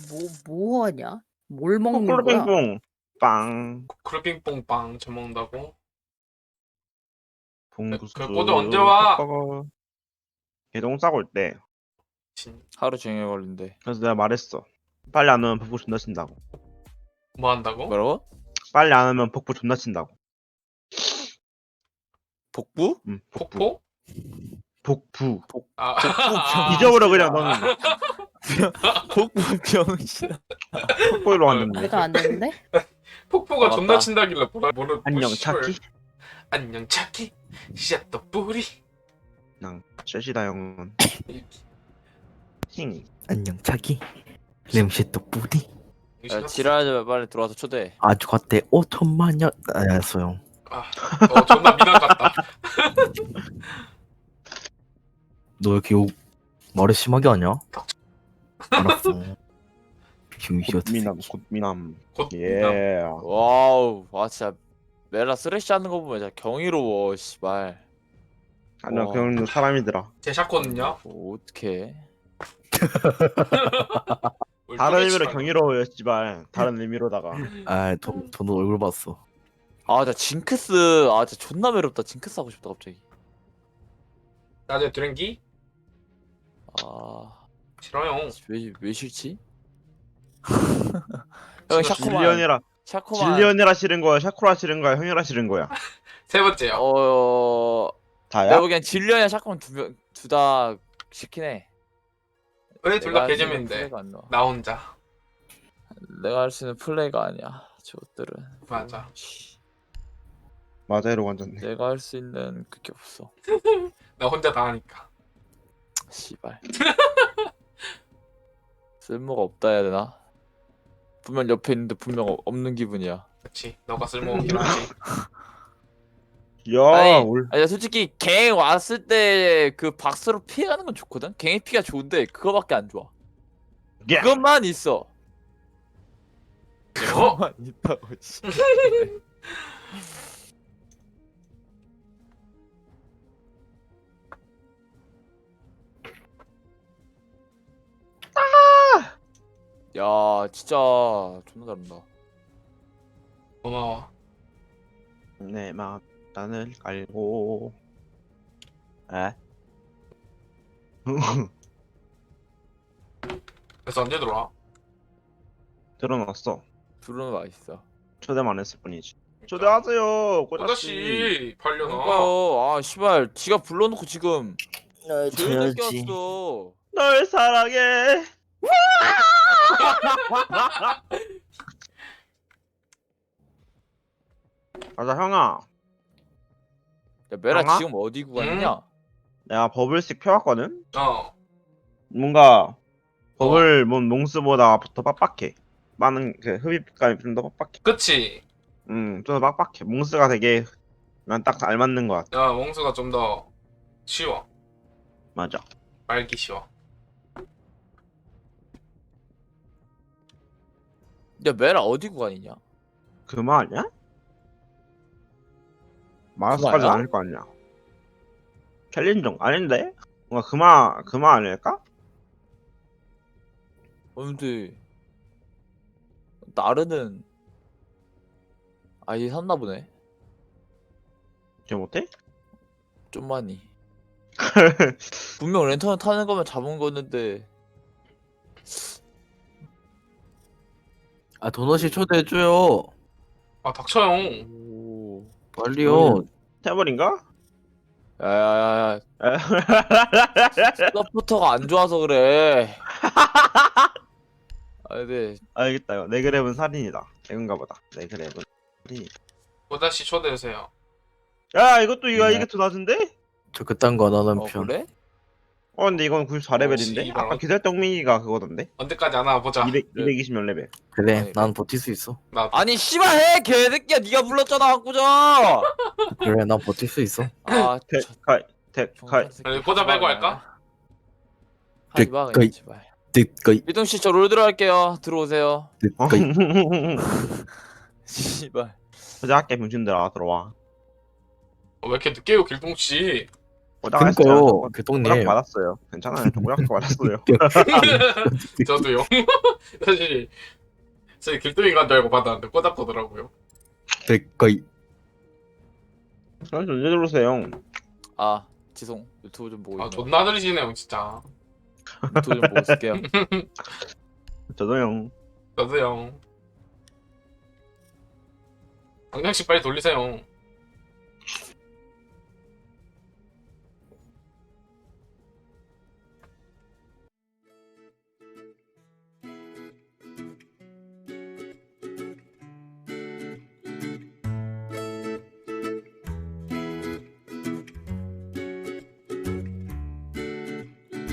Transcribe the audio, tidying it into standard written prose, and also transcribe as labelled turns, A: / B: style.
A: 뭐 하냐? 뭘 먹는 거야?
B: 콜빙뽕 빵
C: 쿨빙뽕빵 저 먹는다고?
B: 봉구수
C: 그 꼬도 언제 와?
B: 개똥 싸고 올 때.
D: 하루 종일 걸린대.
B: 그래서 내가 말했어. 빨리 안 오면 복부 존나 친다고.
C: 뭐 한다고?
D: 뭐라고?
B: 빨리 안 오면 복부 존나 친다고.
D: 복부?
B: 응,
C: 폭포?
B: 복부.
C: 아,
B: 잊어버려 그냥 너는.
D: 복부 병신.
B: 폭포로 왔는데.
A: 내가 안 되는데?
C: 폭포가
D: 맞다.
C: 존나 친다길래 뭐를
B: 안녕
C: 씨발.
B: 차키.
C: 안녕 차키 시작도 뿌리
B: 난 셋이다 형은. 힝.
E: 안녕 자기 냄새 또 뿌리
D: 야, 지랄하지 마, 빨리 들어와서 초대해.
E: 아주 갓대 5천만 년 알았어요.
C: 너 존나 미남 같다.
E: 너 왜 이렇게 욕 말을 심하게 하냐? 알았어. 휴이셔
B: 굿미남 굿미남.
C: 곧
B: 예.
D: 와우, 와 진짜 메라 쓰레쉬 하는 거 보면 진짜 경이로워, 씨발.
B: 아니야
D: 와.
B: 그런 사람이더라.
C: 제 샷건은요?
D: 어떡해.
B: 다른 의미로 경이로워요 씨발. 다른 의미로다가.
E: 저도 얼굴 봤어.
D: 아, 진짜 징크스, 아 진짜 존나 매롭다. 징크스 하고 싶다 갑자기.
C: 나중에 드랭기?
D: 아,
C: 싫어요.
D: 왜 싫지? 형 샤코만,
B: 질리언이라
D: 샤코만.
B: 질리언이라 싫은 거야. 샤코라 싫은 거야. 형이라 싫은 거야.
C: 세 번째요.
B: 다야?
D: 내가 보기엔 질려야 샤코만 둘 다 시킨 해.
C: 왜 둘 다
D: 내가 할 수 있는
C: 개재미인데
D: 플레이가 안 나와.
C: 나 혼자.
D: 내가 할 수 있는 플레이가 아니야. 저것들은.
C: 맞아.
B: 맞아 이러고 앉았네.
D: 내가 할 수 있는 그게 없어.
C: 나 혼자 다 하니까.
D: 씨발. 쓸모가 없다 해야 되나? 분명 옆에 있는데 분명 없는 기분이야.
C: 그렇지. 너가 쓸모없긴 하지.
B: 야
D: 아니,
B: 올.
D: 아니 솔직히 갱 왔을 때 그 박스로 피해가는 건 좋거든. 갱의 피가 좋은데 그거밖에 안 좋아.
B: 야.
D: 그것만 있어.
C: 어?
D: 그것만 있다고. 씨. 야, 진짜 존나 잘한다.
C: 고마워.
B: 내 마음단을 깔고. 에?
C: 그래서 언제 들어와?
B: 들어놨어.
D: 둘은 맛있어.
B: 초대만 했을 뿐이지. 초대하세요, 꼬다씨.
C: 꼬다씨 팔려나?
D: 그러니까요. 아, 씨발, 지가 불러놓고 지금
E: 날
D: 조용히
E: 줘야지.
D: 꼈어.
B: 널 사랑해. 맞아 형아.
D: 야, 메라
B: 강아?
D: 지금 어디 구간이냐?
B: 내가 버블씩 펴왔거든.
C: 어.
B: 뭔가 버블 뭔 몽스보다 더 빡빡해. 많은 그 흡입감이 좀 더 빡빡해.
C: 그치?
B: 좀 더 빡빡해. 몽스가 되게 난 딱 잘 맞는 것 같아.
C: 야, 몽수가 좀 더 쉬워.
B: 맞아.
C: 말기 쉬워.
D: 야, 메라 어디 구간이냐?
B: 그마 아니야? 마라스까지
D: 그마야?
B: 아닐 거 아니야. 챌린종 아닌데? 뭔가 그마 아닐까?
D: 근데 나르는 아예 샀나 보네.
B: 기억 못해?
D: 좀 많이. 분명 랜턴 타는 거면 잡은 거였는데.
E: 도넛이 초대해줘요.
C: 아, 닥쳐요.
D: 오.
E: 빨리요.
B: 태블인가?
D: 야야야야. 서포터가 안 좋아서 그래. 아 근데
B: 알겠다. 내 그랩은 살인이다. 이건가 보다. 내 그랩은 살인이다.
C: 꼬다씨 초대해주세요.
B: 야 이것도
E: 네.
B: 이게 더 낮은데?
E: 저 그딴 거 안 하는 편.
D: 그래?
B: 근데 이건 94레벨인데?
C: 씨발.
B: 아까 기살떡민이가 그거던데?
C: 언제까지 하나 보자.
B: 220몇 레벨.
E: 그래,
D: 아니,
E: 난 버틸 수 있어.
C: 나
D: 아니 씨발 해 개새끼야 네가 불렀잖아 한꾸자.
E: 그래, 난 버틸 수 있어.
D: 아
B: 택카이
C: 아니, 보자 빼고 할까?
D: 하지마
E: 그-
D: 그냥 제발.
E: 뜻거이,
D: 미동 씨저 롤드로 할게요. 들어오세요.
E: 뜻거이.
D: 씨발.
B: 보자 할게 병신들아 들어와.
C: 왜 이렇게 늦게 요 길동씨?
E: 그니까요,
B: 꼬락
E: 교통님.
B: 받았어요. 괜찮아요. 꼬락 받았어요.
C: 저도요. 사실 길동이 간 줄 알고 받았는데 꼬닥 보더라고요.
E: 거의
B: 그래서 언제 들어오세요?
D: 아 지송 유튜브 좀 보고
C: 아
D: 있네요.
C: 존나 느리시네요 진짜.
D: 유튜브 좀 보고 있을게요.
B: 저도요.
C: 저도요. 방장씨 빨리 돌리세요.